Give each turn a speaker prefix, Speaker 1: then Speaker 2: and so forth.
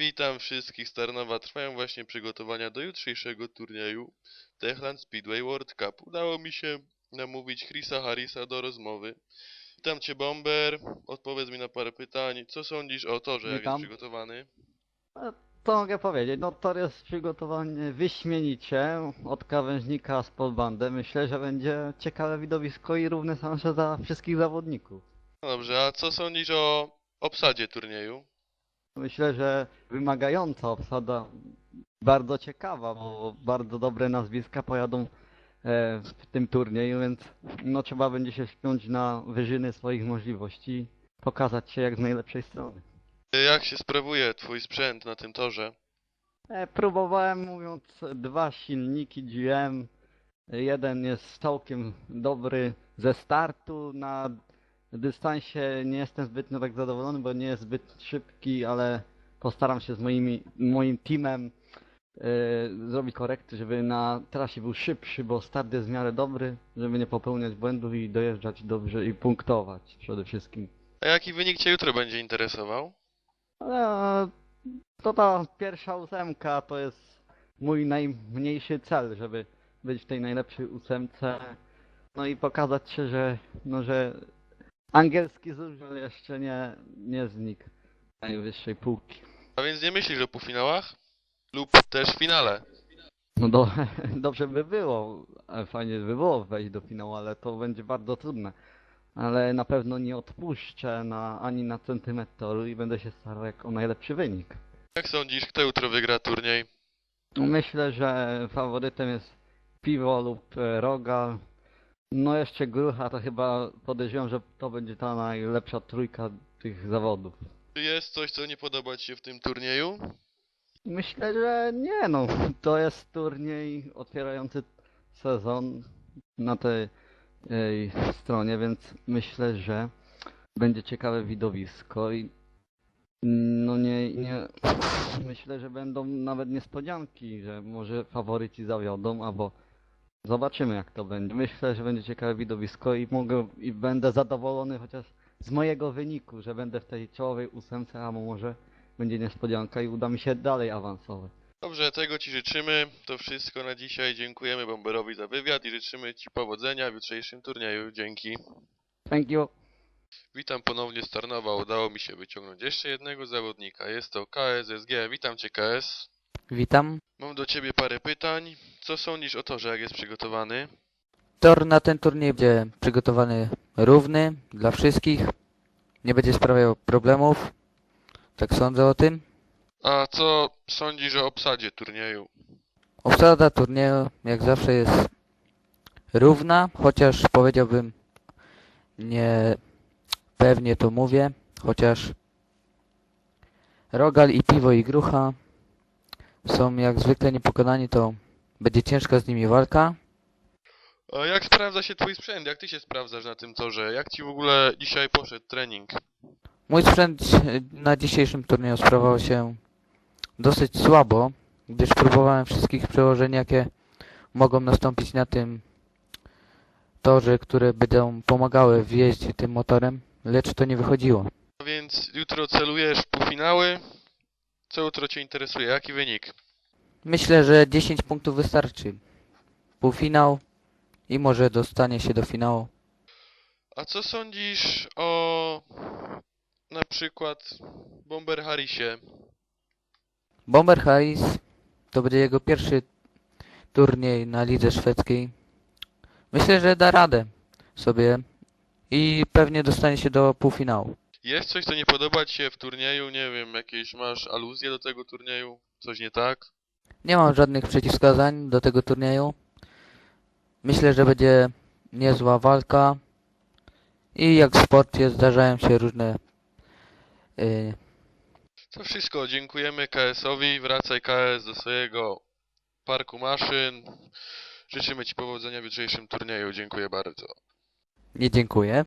Speaker 1: Witam wszystkich z Tarnowa. Trwają właśnie przygotowania do jutrzejszego turnieju Techland Speedway World Cup. Udało mi się namówić Chrisa Harrisa do rozmowy. Witam Cię, Bomber. Odpowiedz mi na parę pytań. Co sądzisz o torze, jak jest
Speaker 2: Witam.
Speaker 1: przygotowany?
Speaker 2: Co mogę powiedzieć? No tor jest przygotowany wyśmienicie od krawężnika z podbandy. Myślę, że będzie ciekawe widowisko i równe szanse dla wszystkich zawodników.
Speaker 1: No dobrze, a co sądzisz o obsadzie turnieju?
Speaker 2: Myślę, że wymagająca obsada, bardzo ciekawa, bo bardzo dobre nazwiska pojadą w tym turnieju, więc no trzeba będzie się wspiąć na wyżyny swoich możliwości i pokazać się jak z najlepszej strony.
Speaker 1: Jak się sprawuje Twój sprzęt na tym torze?
Speaker 2: Próbowałem, mówiąc, dwa silniki GM. Jeden jest całkiem dobry ze startu. Na dystansie nie jestem zbytnio tak zadowolony, bo nie jest zbyt szybki, ale postaram się z moim teamem zrobić korekty, żeby na trasie był szybszy, bo start jest w miarę dobry, żeby nie popełniać błędów i dojeżdżać dobrze i punktować przede wszystkim.
Speaker 1: A jaki wynik Cię jutro będzie interesował?
Speaker 2: Ale to ta pierwsza ósemka to jest mój najmniejszy cel, żeby być w tej najlepszej ósemce. No i pokazać się, że angielski żużel jeszcze nie znikł z najwyższej półki.
Speaker 1: A więc nie myślisz o półfinałach? Lub też finale?
Speaker 2: No dobrze by było, fajnie by było wejść do finału, ale to będzie bardzo trudne. Ale na pewno nie odpuszczę ani na centymetr toru i będę się starał o najlepszy wynik.
Speaker 1: Jak sądzisz, kto jutro wygra turniej?
Speaker 2: Myślę, że faworytem jest Piwo lub Rogal. No jeszcze Grucha, to chyba podejrzewam, że to będzie ta najlepsza trójka tych zawodów.
Speaker 1: Czy jest coś, co nie podoba Ci się w tym turnieju?
Speaker 2: Myślę, że nie no, to jest turniej otwierający sezon na tej stronie, więc myślę, że będzie ciekawe widowisko i no nie myślę, że będą nawet niespodzianki, że może faworyci zawiodą, albo zobaczymy jak to będzie. Myślę, że będzie ciekawe widowisko i będę zadowolony chociaż z mojego wyniku, że będę w tej czołowej ósemce, a może będzie niespodzianka i uda mi się dalej awansować.
Speaker 1: Dobrze, tego Ci życzymy. To wszystko na dzisiaj. Dziękujemy Bomberowi za wywiad i życzymy Ci powodzenia w jutrzejszym turnieju. Dzięki.
Speaker 2: Thank you.
Speaker 1: Witam ponownie z Tarnowa. Udało mi się wyciągnąć jeszcze jednego zawodnika. Jest to KSSG. Witam Cię, KS.
Speaker 3: Witam.
Speaker 1: Mam do Ciebie parę pytań. Co sądzisz o torze, jak jest przygotowany?
Speaker 3: Tor na ten turniej będzie przygotowany równy dla wszystkich. Nie będzie sprawiał problemów. Tak sądzę o tym.
Speaker 1: A co sądzisz o obsadzie turnieju?
Speaker 3: Obsada turnieju jak zawsze jest równa, chociaż powiedziałbym nie pewnie to mówię, chociaż Rogal i Piwo i Grucha są jak zwykle niepokonani, to będzie ciężka z nimi walka.
Speaker 1: A jak sprawdza się Twój sprzęt? Jak Ty się sprawdzasz na tym torze? Jak Ci w ogóle dzisiaj poszedł trening?
Speaker 3: Mój sprzęt na dzisiejszym turnieju sprawował się dosyć słabo, gdyż próbowałem wszystkich przełożeń, jakie mogą nastąpić na tym torze, które będą pomagały w jeździe tym motorem, lecz to nie wychodziło.
Speaker 1: A więc jutro celujesz w półfinały? Co jutro Cię interesuje? Jaki wynik?
Speaker 3: Myślę, że 10 punktów wystarczy. Półfinał i może dostanie się do finału.
Speaker 1: A co sądzisz o na przykład Bomber Harrisie?
Speaker 3: Bomber Harris to będzie jego pierwszy turniej na lidze szwedzkiej. Myślę, że da radę sobie i pewnie dostanie się do półfinału.
Speaker 1: Jest coś, co nie podoba Ci się w turnieju? Nie wiem, jakieś masz aluzje do tego turnieju? Coś nie tak?
Speaker 3: Nie mam żadnych przeciwwskazań do tego turnieju. Myślę, że będzie niezła walka i jak w sporcie zdarzają się różne
Speaker 1: To wszystko. Dziękujemy KS-owi. Wracaj KS do swojego parku maszyn. Życzymy Ci powodzenia w jutrzejszym turnieju. Dziękuję bardzo.
Speaker 3: nie dziękuję.